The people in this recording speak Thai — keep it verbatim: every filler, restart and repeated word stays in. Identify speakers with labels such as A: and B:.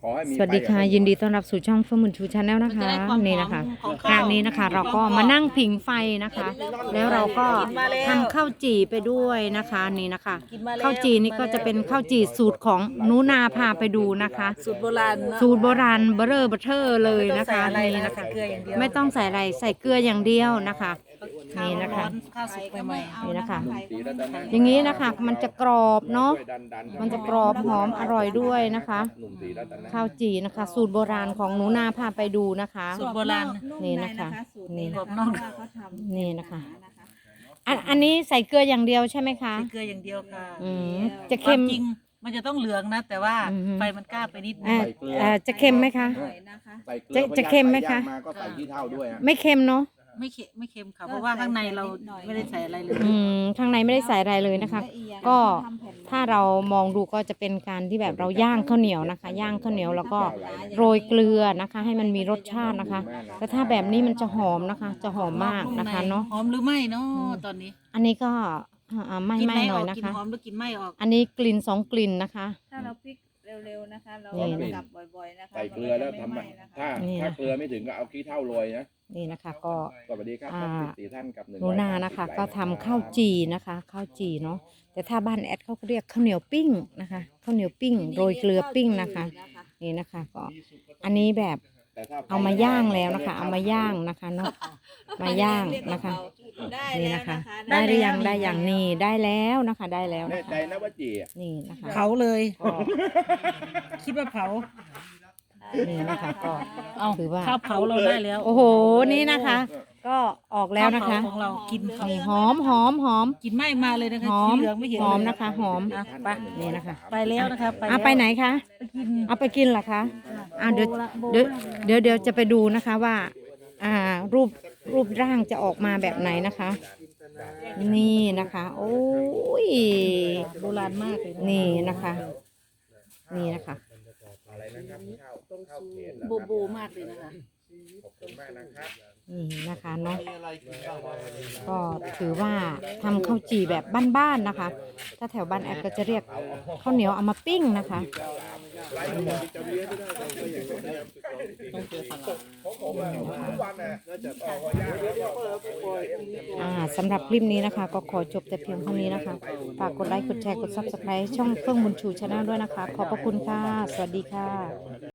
A: อให้มี
B: สวัสดีค่ะยินดีต้อนรับสู่ช่องเฟื่องบุญชูชาแนลนะคะนี่นะคะคราวนี้นะคะเราก็มานั่งผิงไฟนะคะ แล้วเราก็ทำข้าวจี่ไปด้วยนะคะนี่นะคะข้าวจี่นี่ก็จะเป็นข้าวจี่สูตรของหนูนาพาไปดูนะคะ
C: สูตรโบราณ
B: สูตรโบราณเบอร์เรอร์เบอร์เทอร์เลยนะคะนี่นะคะ
C: เกลืออย่างเดียว
B: ไม่ต้องใส่อะไรใส่เกลืออย่างเดียวนะคะนี่นะคะ
C: ข้าวสุกใหม่
B: นี่นะคะ
A: หนุ่มสีรัตนะ
B: อย่างนี้นะคะมันจะกรอบเนาะ
A: ช่วยดันดัน
B: มันจะกรอบหอมอร่อยด้วยนะคะ
A: หนุ่มสีรัตนะ
B: ข้าวจี่นะคะ สูตรโบราณของหนูนาพาไปดูนะคะ
C: สูตรโบราณ
B: นี่นะคะนี่
C: กรอบนอก
B: นี่นะคะอันอันนี้ใส่เกลืออย่างเดียวใช่ไหมคะ
C: ใส่เกลืออย่างเดียวค่ะ
B: อืมจะเค็ม
C: วาจริงมันจะต้องเหลืองนะ แต่ว่า
B: อือฮึ
C: ไฟมันกล้าไปนิดนึ
B: อ่าง อ่าจะเค็มไหมคะ
A: ใส่เกลือ
B: จะจะเค็มไหมคะ
A: พยายามาก็ใส่ขี้เท่าด้วยฮะ
B: ไม่เค็มเนาะ
C: ไม่เค็มไม่เค็มค่ะเพราะว่าข้างในเราไม่ได้ใส่อะไรเลย
B: อืมข้างในไม่ได้ใส่อะไรเลยนะคะ ก็ถ้าเรามองดูก็จะเป็นการที่แบบเราย่างข้าวเหนียวนะคะ ย่างข้าวเหนียวแล้วก็โรยเกลือนะคะ ให้มันมีรสชาตินะคะแต่ถ้าแบบนี้มันจะหอมนะคะ จะหอมมากนะคะเนาะ
C: หอมหรือไม่เนาะตอนนี้
B: อันนี้ก็อ่าไม่
C: กิน
B: ไม่
C: ไม่
B: ห
C: อ
B: น่อ
C: อย ก
B: นะ
C: กิน
B: คะ
C: หอมหรือกินไม่ออก
B: อันนี้กลิ่นสองกลิ่นนะคะ
D: ถ้าเราพลิกเร็วๆนะคะ เรา
B: นี่
D: กลับบ่อยๆนะคะ
A: ใส่เกลือแล้วทำ
D: มัน
A: อะ
D: จะไม่ไหม้นะคะ
A: ถ้า
B: นี่
A: ถ้าเกลือไม่ถึงก็เอาขี้เท่าโรยนะ
B: นี่นะคะก็
A: สวัสดีครับ
B: อ่า
A: ท่านสี่ท่านกับหนึ่ง
B: หนูนานะคะ ก็ทำข้าวจีนะคะข้าวจีเนาะแต่ถ้าบ้านแอดเขาก็เรียกข้าวเหนียวปิ้งนะคะข้าวเหนียวปิ้งโรยเกลือปิ้งนะคะนี่นะคะก็อันนี้แบบ
A: แต่ถ้
B: เอามาย่างแล้วนะคะ เอามาย่างนะคะเนาะมาย่างนะคะ
D: ได้
B: นี่
D: แล้ว
B: นะคะ
D: นะคะ
B: ได้หรือยังได้อย่างนี้ได้แล้วนะคะได้แล้ว
A: แน่
B: นะ
A: ใจ
B: คะ
A: นะว่าจีอะ
B: นี่นะคะ
C: เผาเลย
B: ก็
C: คิดว่าเผา
B: นี่นะคะก็
C: เอา
B: ถือว่า
C: ข้าวเผาเราได้แล้ว
B: โอ้โหนี่นะคะ ก็ออกแล้วนะคะ
C: ข้าวเผาของเรากินข้าว
B: นี่หอมหอมหอม
C: กินไม่มาเลยนะคะ
B: หอม
C: สีเหลืองไม่เห็น
B: หอม
C: เลย
B: นะคะหอม
C: อ่ะไป
B: นี่นะคะ
C: ไปแล้วนะคะไป
B: เอาไปไหนคะ
C: ไปกิน
B: เอาไปกินเหรอคะอ่าเดี๋ยวเดี๋ยวเดี๋ยวเดี๋ยวจะไปดูนะคะว่า อ่า รูปรูปร่างจะออกมาแบบไหนนะคะ นี่นะคะ โอ้ย
C: โบราณมากเลยนะ
B: นี่นะคะ นี่นะคะ
A: อะไรนะครับข้าวข้าวเขน
C: โบโบมากเลยนะคะ
A: ขอบคุณมากนะครับ
B: นี่นะคะเนาะก็ถือว่าทำข้าวจี่แบบบ้านๆนะคะ ถ้าแถวบ้านแอดก็จะเรียกข้าวเหนียวเอามาปิ้งนะคะอ่าสำหรับคลิปนี้นะคะ ก็ขอจบแต่เพียงเท่านี้นะคะฝากกดไลค์กดแชร์กดซับสไครต์ช่องเฟื่องบุญชูชาแนลด้วยนะคะ ขอบพระคุณค่ะ สวัสดีค่ะ